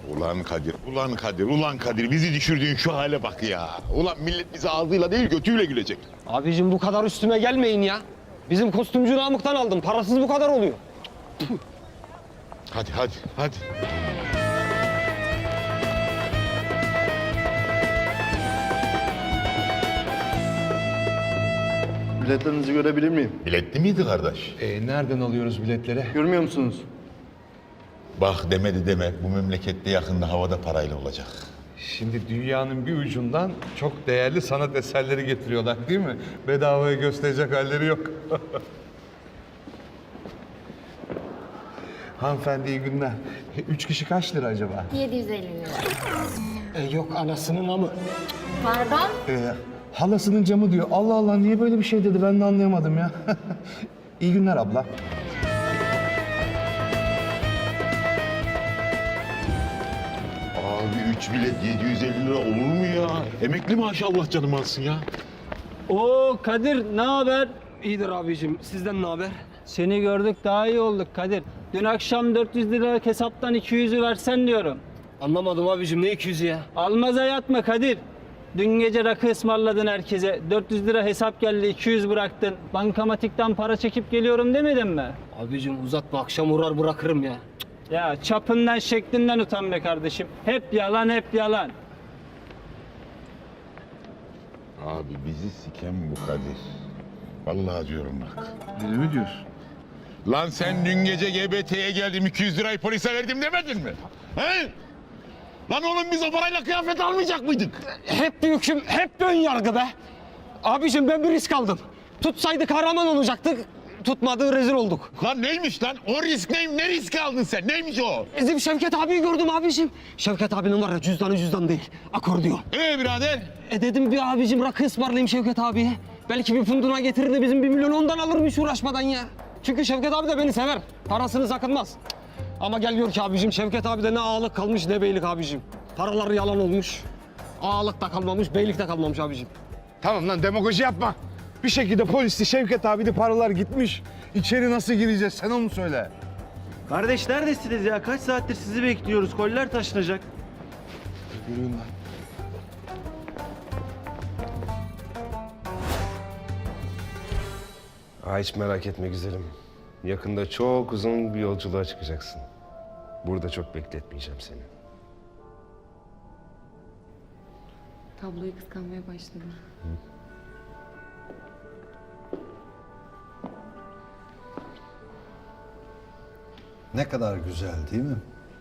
Ulan Kadir, ulan Kadir, ulan Kadir bizi düşürdüğün şu hale bak ya. Ulan millet bizi ağzıyla değil götüyle gülecek. Abicim bu kadar üstüme gelmeyin ya. Bizim kostümcü Namık'tan aldım. Parasız bu kadar oluyor. Hadi, hadi, hadi. Biletlerinizi görebilir miyim? Biletli miydi kardeş? Nereden alıyoruz biletleri? Görmüyor musunuz? Bak demedi deme, bu memlekette yakında havada parayla olacak. Şimdi dünyanın bir ucundan çok değerli sanat eserleri getiriyorlar değil mi? Bedavaya gösterecek halleri yok. Hanımefendi iyi günler. 3 kişi kaç lira acaba? 750 lira. Yok anasının amı. Pardon? Halasının camı diyor. Allah Allah niye böyle bir şey dedi ben de anlayamadım ya. İyi günler abla. Abi 3 bilet 750 lira olur mu ya? Emekli maaşı Allah canım alsın ya. Oo Kadir ne haber? İyidir abicim. Sizden ne haber? Seni gördük daha iyi olduk Kadir. Dün akşam 400 lira hesaptan 200'ü versen diyorum. Anlamadım abicim. Ne 200'ü ya? Almaza yatma Kadir. Dün gece rakı ısmarladın herkese. 400 lira hesap geldi 200 bıraktın. Bankamatikten para çekip geliyorum demedin mi? Abicim uzatma. Akşam uğrar bırakırım ya. Ya çapından şeklinden utan be kardeşim. Hep yalan hep yalan. Abi bizi siken bu Kadir. Vallahi diyorum bak. Öyle mi diyorsun? Lan sen dün gece GBT'ye geldim 200 lirayı polise verdim demedin mi? He? Lan oğlum biz o parayla kıyafet almayacak mıydık? Hep bir hüküm, hep ön yargı be. Abicim ben bir risk aldım. Tutsaydı kahraman olacaktık. Tutmadığı rezil olduk. Lan neymiş lan? O risk neymiş? Ne riski aldın sen? Neymiş o? Bizim Şevket abiyi gördüm abicim. Şevket abinin var ya cüzdanı cüzdan değil. Akordiyon. Birader? Dedim bir abicim rakı ısmarlayayım Şevket abiye. Belki bir funduna getirir de bizim 1 milyon ondan alırmış uğraşmadan ya. Çünkü Şevket abi de beni sever. Parasını sakınmaz. Ama gel gör ki abicim Şevket abi de ne ağalık kalmış ne beylik abicim. Paraları yalan olmuş. Ağalık da kalmamış, beylik de kalmamış abicim. Tamam lan demagoji yapma. Bir şekilde polisi Şevket abi de paralar gitmiş. İçeri nasıl gireceğiz sen onu söyle. Kardeş neredesiniz ya? Kaç saattir sizi bekliyoruz. Koller taşınacak. Yürüyün lan. Hiç merak etme güzelim. Yakında çok uzun bir yolculuğa çıkacaksın. Burada çok bekletmeyeceğim seni. Tabloyu kıskanmaya başladım. Ne kadar güzel değil mi?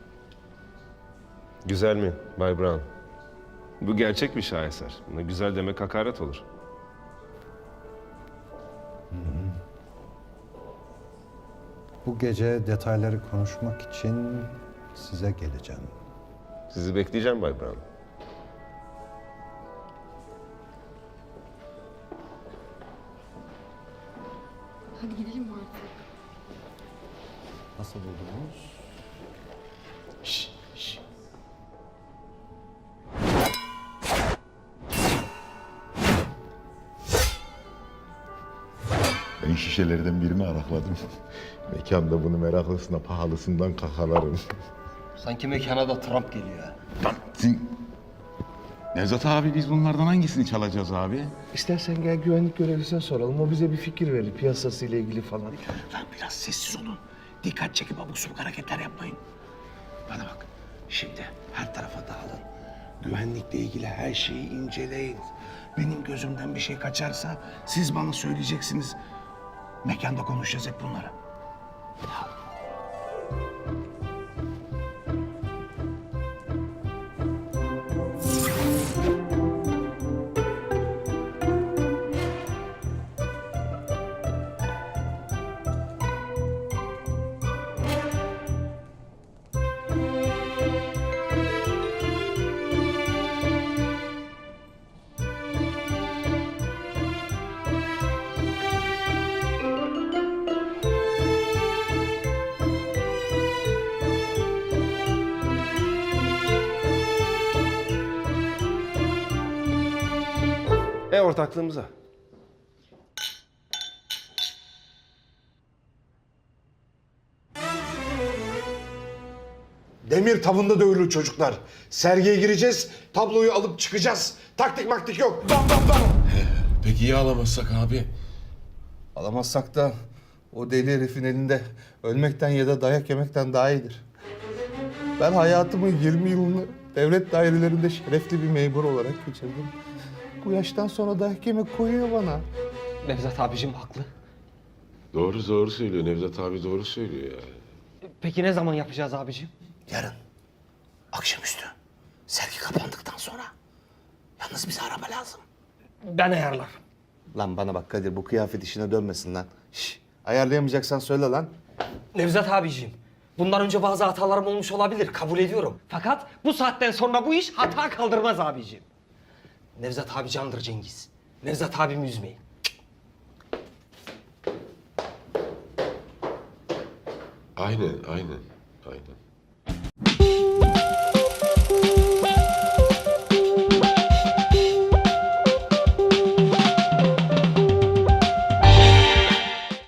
Güzel mi Bay Brown? Bu gerçek bir şaheser. Buna güzel demek hakaret olur. Bu gece detayları konuşmak için size geleceğim. Sizi bekleyeceğim Bay Brown. Hadi gidelim mi artık? Nasıl buldunuz? Ben şişelerden birini arakladım. Mekanda bunu meraklısına pahalısından kakalarım. Sanki mekana da Trump geliyor ya. Lan sen... Nevzat abi biz bunlardan hangisini çalacağız abi? İstersen gel güvenlik görevlisine soralım. O bize bir fikir verir piyasasıyla ilgili falan. Lan biraz sessiz olun. Dikkat çekip abuk subuk hareketler yapmayın. Bana bak. Şimdi her tarafa dağılın. Güvenlikle ilgili her şeyi inceleyin. Benim gözümden bir şey kaçarsa siz bana söyleyeceksiniz. Mekanda konuşacağız hep bunları. Ortaklığımıza. Demir tavında dövülür çocuklar. Sergiye gireceğiz, tabloyu alıp çıkacağız. Taktik maktik yok. Bam bam bam. Peki ya alamazsak abi? Alamazsak da o deli herifin elinde ölmekten ya da dayak yemekten daha iyidir. Ben hayatımın 20 yılını devlet dairelerinde şerefli bir memur olarak geçirdim. Bu yaştan sonra dayak yemek koyuyor bana. Nevzat abicim haklı. Doğru söylüyor. Nevzat abi doğru söylüyor ya. Peki ne zaman yapacağız abicim? Yarın. Akşamüstü. Sergi kapandıktan sonra. Yalnız bize araba lazım. Ben ayarlarım. Lan bana bak Kadir, bu kıyafet işine dönmesin lan. Ayarlayamayacaksan söyle lan. Nevzat abicim, bundan önce bazı hatalarım olmuş olabilir, kabul ediyorum. Fakat bu saatten sonra bu iş hata kaldırmaz abicim. Nevzat abi candır Cengiz. Nevzat abimi üzmeyin. Aynen.